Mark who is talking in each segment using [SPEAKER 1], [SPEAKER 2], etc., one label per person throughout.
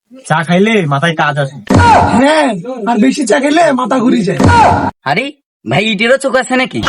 [SPEAKER 1] চা খাইলে মাথায় কাজ আসে।
[SPEAKER 2] হ্যাঁ, আর বেশি চা খেলে মাথা ঘুরে যায়।
[SPEAKER 3] আরে ভাই, ইটেরও চোখ আছে নাকি?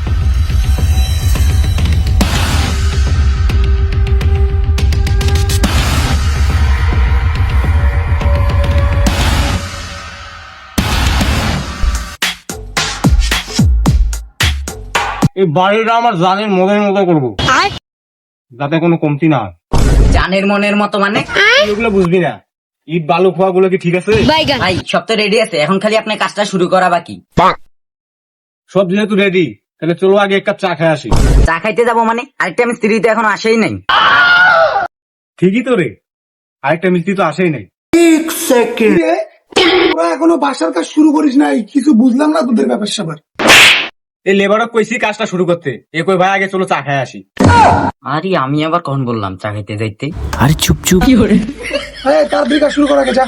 [SPEAKER 1] এই বাড়িটা আমার জানের মনের মতো করবো, যাতে কোনো কমতি না হয়।
[SPEAKER 3] জানের মনের মতো মানে?
[SPEAKER 1] এগুলো বুঝবি না। ইট বালু খোয়া গুলো কি ঠিক আছে?
[SPEAKER 3] ভাই সব তো রেডি আছে, এখন খালি আপনার কাজটা শুরু করা বাকি।
[SPEAKER 1] সব যেহেতু রেডি, তাহলে চলো আগে এক কাপ চা খেয়ে আসি।
[SPEAKER 3] চা খাইতে যাবো মানে? আরেকটা মিস্ত্রি তো এখনো আসেই নাই।
[SPEAKER 1] ঠিকই তো রে, আরেকটা মিস্ত্রি তো আসেই নাই।
[SPEAKER 2] এ, তোরা এখনো বাসার কাজ শুরু করিস নাই, কিছু বুঝলাম না তোদের ব্যাপার স্যাপার।
[SPEAKER 1] এই লেবারক কইছি কাজটা শুরু করতে, এ কই ভাই আগে চলো চা খেয়ে আসি।
[SPEAKER 3] আরে আমি আবার কখন বললাম চা খাইতে যাইতে?
[SPEAKER 4] আরে চুপ চুপ।
[SPEAKER 2] তাড়াতাড়ি কাজ শুরু করা আগে যা।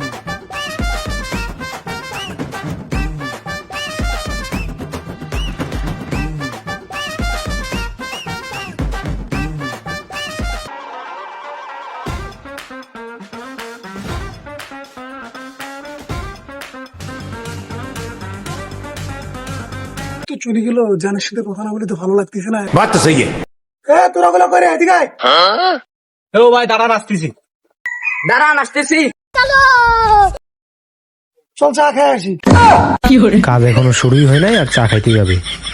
[SPEAKER 2] তো চলে গেল, জানের সাথে কথা না বলে তো ভালো লাগতেছে না।
[SPEAKER 4] बात तो सही है।
[SPEAKER 2] তোরা গুলো করে এদিকে আয়।
[SPEAKER 1] ও ভাই দাঁড়ান, আসতেছি।
[SPEAKER 3] দাঁড়ান, আসতেছি।
[SPEAKER 2] চল চা খেয়ে আসি।
[SPEAKER 4] কাজ এখনো শুরুই হয় নাই আর চা খাইতে যাবে।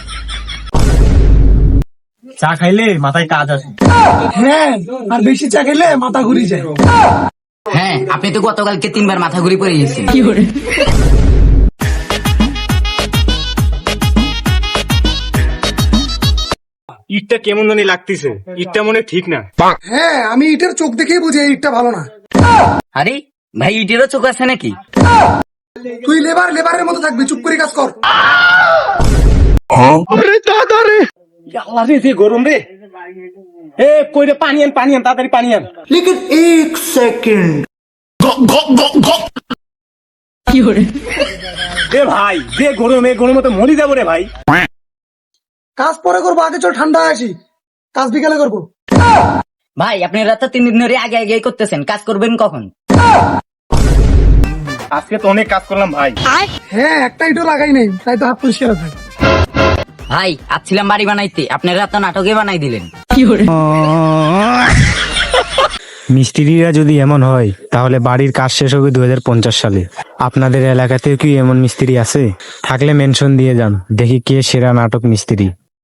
[SPEAKER 1] চা খাইলে মাথায় কাজ আসে।
[SPEAKER 2] হ্যাঁ, আর বেশি চা খেলে মাথা ঘুরে যায়।
[SPEAKER 3] হ্যাঁ, আপনি তো গতকালকে 3 বার মাথা ঘুরে পড়ে গেছেন।
[SPEAKER 1] ইটটা কেমন জানি লাগতেছে, ইটটা মনে হয় ঠিক না।
[SPEAKER 2] হ্যাঁ, আমি ইটের চোখ দেখেই বুঝি এই ইটটা ভালো না।
[SPEAKER 3] আরে ভাই, ইটেরও চোখ আছে নাকি?
[SPEAKER 2] তুই লেবারের মতো থাকবি, চুপ করে কাজ কর।
[SPEAKER 1] আল্লাহ রে, যে গরম রে। এ কই রে, পানি আন, তাড়াতাড়ি পানি আন। এ ভাই, যে গরম, এই গরমে তো মরি যাবো রে ভাই।
[SPEAKER 2] কাজ পরে করবো, আগে চল ঠান্ডা আসি, কাজ বিকালে করবো।
[SPEAKER 3] ভাই আপনারা তো 3 দিন ধরে আগে আগে করতেছেন, কাজ করবেন কখন?
[SPEAKER 1] আজকে তো অনেক কাজ করলাম ভাই।
[SPEAKER 2] হ্যাঁ, একটা ইটও লাগাই নেই, তাই তো হাত পরিষ্কার আছে।
[SPEAKER 3] ভাই আসছিলাম বাড়ি বানাইতে, আপনারা তো নাটকে বানাই দিলেন।
[SPEAKER 4] মিস্ত্রিরা যদি এমন হয় তাহলে বাড়ির কাজ শেষ হবে 2050 সালে। আপনাদের এলাকাতেও কি এমন মিস্ত্রি আছে? থাকলে মেনশন দিয়ে যান, দেখি কে সেরা নাটক মিস্ত্রি।